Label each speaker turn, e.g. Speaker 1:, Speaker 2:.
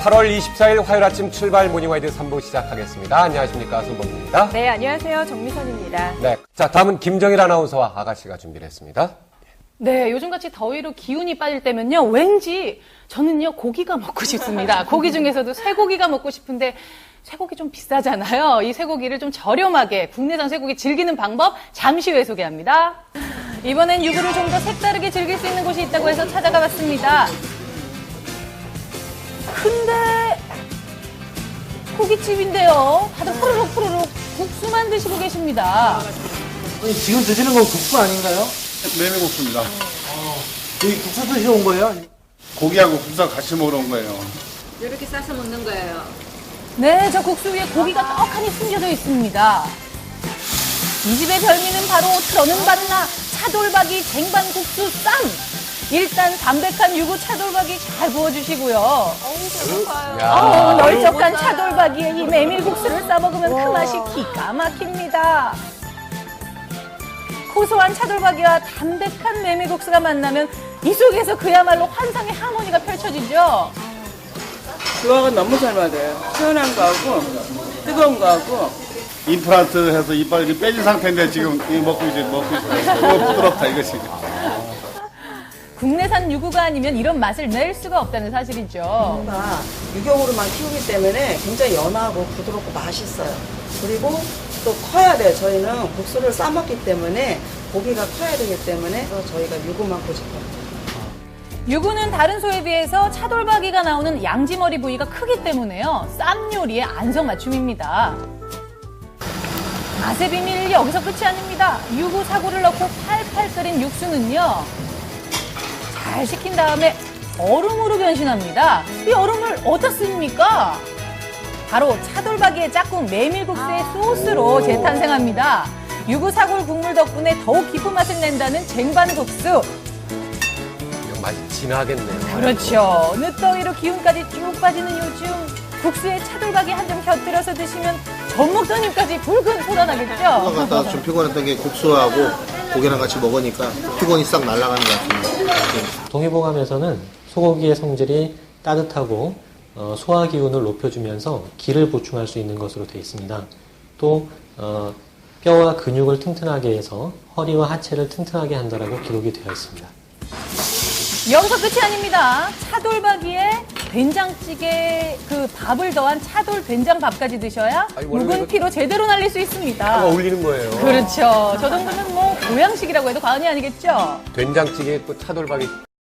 Speaker 1: 8월 24일 화요일 아침 출발 모닝와이드 3부 시작하겠습니다. 안녕하십니까, 손범입니다.
Speaker 2: 네, 안녕하세요. 정미선입니다.
Speaker 1: 네, 자 다음은 김정일 아나운서와 아가씨가 준비를 했습니다.
Speaker 2: 네, 요즘같이 더위로 기운이 빠질 때면요, 왠지 저는요, 고기가 먹고 싶습니다. 고기 중에서도 쇠고기가 먹고 싶은데 쇠고기 좀 비싸잖아요. 이 쇠고기를 좀 저렴하게 국내산 쇠고기 즐기는 방법 잠시 후에 소개합니다. 이번엔 유부를 좀 더 색다르게 즐길 수 있는 곳이 있다고 해서 찾아가 봤습니다. 근데 고깃집인데요. 다들 푸르륵 국수만 드시고 계십니다.
Speaker 3: 아니, 지금 드시는 건 국수 아닌가요?
Speaker 4: 메밀국수입니다.
Speaker 3: 여기 국수 드시러 온 거예요?
Speaker 4: 고기하고 국수하고 같이 먹으러 온 거예요.
Speaker 5: 이렇게 싸서 먹는 거예요.
Speaker 2: 네, 저 국수 위에 고기가 떡하니 숨겨져 있습니다. 이 집의 별미는 바로 트러는 바나 차돌박이 쟁반국수 쌈. 일단 담백한 유부 차돌박이 잘 구워주시고요. 널쩍한 차돌박이에 이 메밀국수를 싸먹으면 그 맛이 기가 막힙니다. 고소한 차돌박이와 담백한 메밀국수가 만나면 이 속에서 그야말로 환상의 하모니가 펼쳐지죠.
Speaker 6: 조화가 너무 잘 맞아요. 시원한 거하고 뜨거운 거하고.
Speaker 4: 임플란트 해서 이빨이 빼진 상태인데 지금 이거 먹고 있어요. 부드럽다 이것이.
Speaker 2: 국내산 유구가 아니면 이런 맛을 낼 수가 없다는 사실이죠.
Speaker 7: 가 유경으로만 키우기 때문에 굉장히 연하고 부드럽고 맛있어요. 그리고 또 커야 돼요. 저희는 국수를 싸먹기 때문에 고기가 커야 되기 때문에 그래서 저희가 유구만 고집해요.
Speaker 2: 유구는 다른 소에 비해서 차돌박이가 나오는 양지머리 부위가 크기 때문에요. 쌈 요리의 안성맞춤입니다. 맛의 비밀 여기서 끝이 아닙니다. 유구 사고를 넣고 팔팔 끓인 육수는요. 잘 식힌 다음에 얼음으로 변신합니다. 이 얼음을 어디다 씁니까? 바로 차돌박이의 짝꿍 메밀국수의 소스로 재탄생합니다. 유구 사골 국물 덕분에 더욱 깊은 맛을 낸다는 쟁반국수.
Speaker 1: 이거 맛이 진하겠네요.
Speaker 2: 그렇죠. 늦더위로 기운까지 쭉 빠지는 요즘 국수에 차돌박이 한 점 곁들여서 드시면 젖 먹던 힘까지 불끈 솟아나겠죠?
Speaker 8: 갔다가 좀 피곤했던 게 국수하고 고기랑 같이 먹으니까 피곤이 싹 날아가는 것 같습니다.
Speaker 9: 동해봉암에서는 소고기의 성질이 따뜻하고 소화기운을 높여주면서 기를 보충할 수 있는 것으로 되어 있습니다. 또 뼈와 근육을 튼튼하게 해서 허리와 하체를 튼튼하게 한다라고 기록이 되어 있습니다.
Speaker 2: 여기서 끝이 아닙니다. 차돌박이에 된장찌개 그 밥을 더한 차돌 된장밥까지 드셔야
Speaker 1: 아니, 원래
Speaker 2: 묵은
Speaker 1: 이거-
Speaker 2: 피로 제대로 날릴 수 있습니다.
Speaker 1: 어울리는 거예요.
Speaker 2: 그렇죠. 저 정도면 뭐 보양식이라고 해도 과언이 아니겠죠?
Speaker 1: 된장찌개 또 차돌박이